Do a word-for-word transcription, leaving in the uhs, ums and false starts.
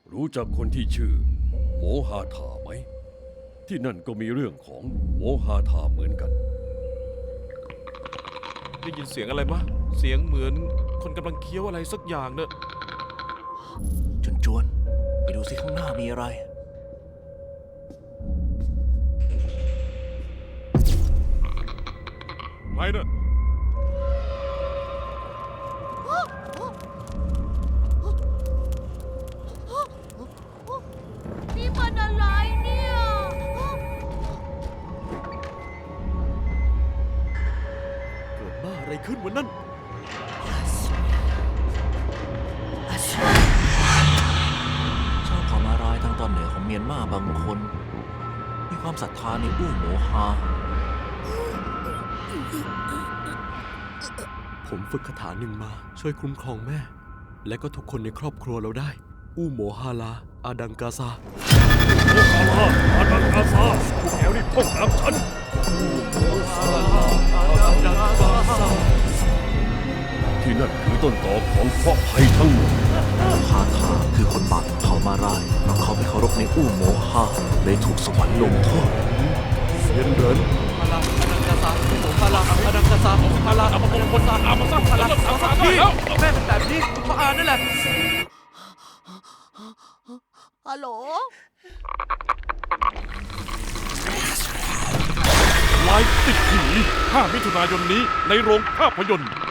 รู้จักคนที่ชื่อโมฮาธาไหมที่นั่นก็มีเรื่องของโมฮาธาเหมือนกันได้ยินเสียงอะไรมะเสียงเหมือนคนกำลังเคี้ยวอะไรสักอย่างเนอะจวนจวนๆไปดูสิข้างหน้ามีอะไรใครเนอะนี่มันอะไรเนี่ยเกิดบ้าอะไรขึ้นวันนั้นชาวเผ่ามารายทางตอนเหนือของเมียนมาบางคน มีความศรัทธาในอู้โหมฮาผมฝึกคาถาหนึ่งมาช่วยคุ้มครองแม่ และก็ทุกคนในครอบครัวเราได้ อู้โมฮาลา อาดังกาซาโมฮาลาอาดังกาซาพวกแกรีบท่องตามฉันที่นั่นคือต้นตอของเคราะห์ภัยทั้งหมดฮาทาคือคนบาปของเผ่ามารายเพราะเขาไม่เคารพในอู้โมฮาเลยถูกสวรรค์ลงโทษเซียนเหรินพลังอนังกาซาพลังอนังกาซาพลังอัปมงคลตาอามาซัพพลังอัปพี่แม่เป็นแบบนี้เพราะอานั่นแหละฮัลโหลไลฟ์ติดผีห้ามิถุนายนนี้ในโรงภาพยนตร์